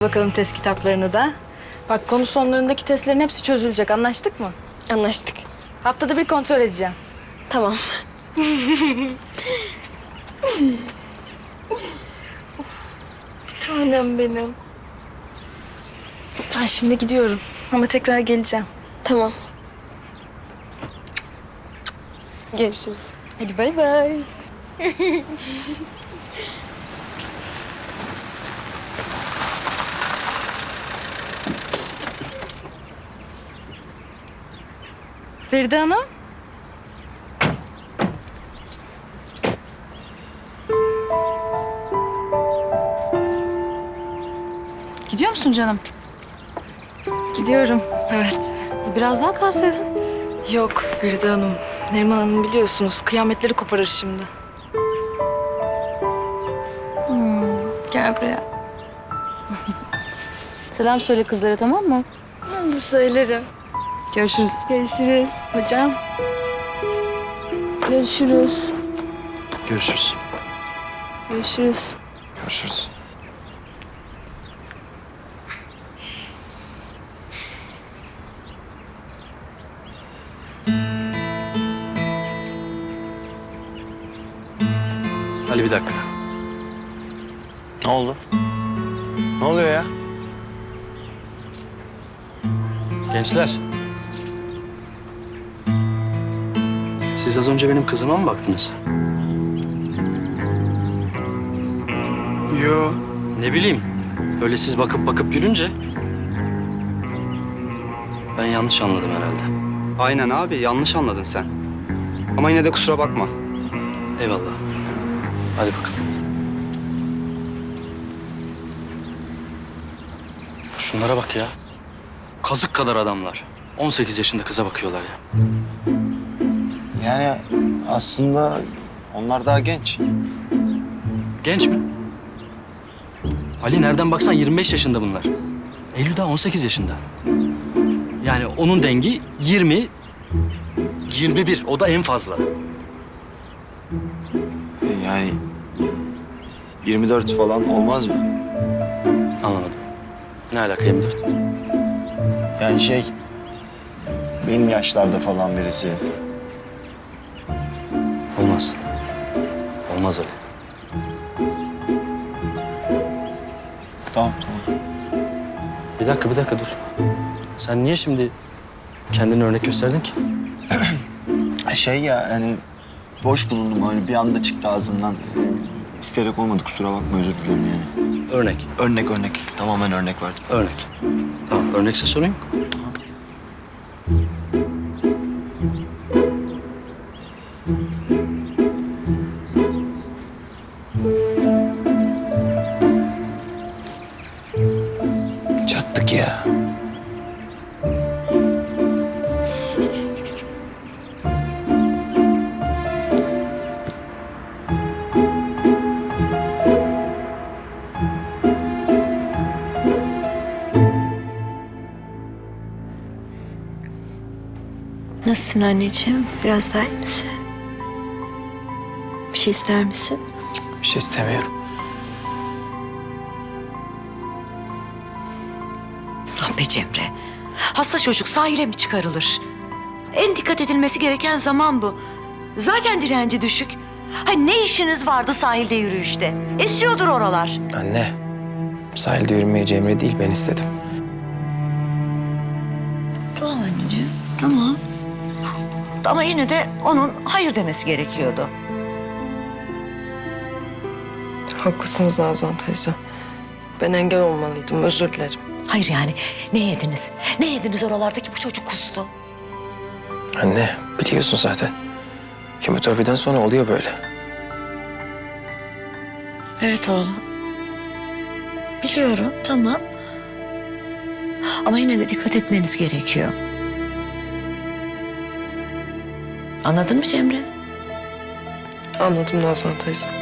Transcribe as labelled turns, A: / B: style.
A: Bakalım test kitaplarını da. Bak konu sonlarındaki testlerin hepsi çözülecek. Anlaştık mı?
B: Anlaştık.
A: Haftada bir kontrol edeceğim.
B: Tamam.
A: Tanem benim. Ben şimdi gidiyorum ama tekrar geleceğim.
B: Tamam. Görüşürüz.
A: Hadi bay bay. Feride Hanım.
C: Gidiyor musun canım?
A: Gidiyorum. Evet.
C: Biraz daha kalsaydın.
A: Yok Feride Hanım. Neriman Hanım biliyorsunuz kıyametleri koparır şimdi.
C: Gel buraya. Selam söyle kızlara, tamam mı?
A: Söylerim.
C: Görüşürüz.
A: Görüşürüz. Hocam. Görüşürüz.
D: Görüşürüz.
A: Görüşürüz.
D: Görüşürüz. Ali bir dakika.
E: Ne oldu? Ne oluyor ya?
D: Gençler. Siz az önce benim kızıma mı baktınız?
E: Yo.
D: Ne bileyim. Öyle siz bakıp bakıp gülünce... Ben yanlış anladım herhalde.
F: Aynen abi, yanlış anladın sen. Ama yine de kusura bakma.
D: Eyvallah. Hadi bakalım. Şunlara bak ya. Kazık kadar adamlar. 18 yaşında kıza bakıyorlar ya.
E: Yani aslında onlar daha genç.
D: Genç mi? Ali nereden baksan 25 yaşında bunlar. Eylül daha 18 yaşında. Yani onun dengi 20, 21. O da en fazla.
E: Yani 24 falan olmaz mı?
D: Anlamadım. Ne alaka 24?
E: Yani benim yaşlarda falan birisi.
D: Olmaz. Olmaz Ali.
E: Tamam.
D: Bir dakika dur. Sen niye şimdi kendini örnek gösterdin ki?
E: Hani boş bulundum hani bir anda çıktı ağzımdan. İsteyerek olmadı kusura bakma özür dilerim yani.
D: Örnek.
E: Örnek. Tamamen örnek verdim.
D: Örnek. Tamam, örnekse sorun yok.
E: Çattık ya.
G: Nasılsın anneciğim? Biraz daha iyi misin? Bir şey ister misin?
E: Bir şey istemiyorum.
G: Ah be Cemre. Hasta çocuk sahile mi çıkarılır? En dikkat edilmesi gereken zaman bu. Zaten direnci düşük. Ne işiniz vardı sahilde yürüyüşte? Esiyordur oralar.
H: Anne, sahilde yürümeyi Cemre değil ben istedim.
G: Tamam anneciğim, tamam. Ama yine de onun hayır demesi gerekiyordu.
B: Haklısınız Nazan teyze. Ben engel olmalıydım, özür dilerim.
G: Hayır yani ne yediniz? Ne yediniz oralardaki bu çocuk kustu?
H: Anne, biliyorsun zaten. Kemoterapiden sonra oluyor böyle.
G: Evet oğlum. Biliyorum, tamam. Ama yine de dikkat etmeniz gerekiyor. Anladın mı Cemre?
B: Anladım Nazan teyze.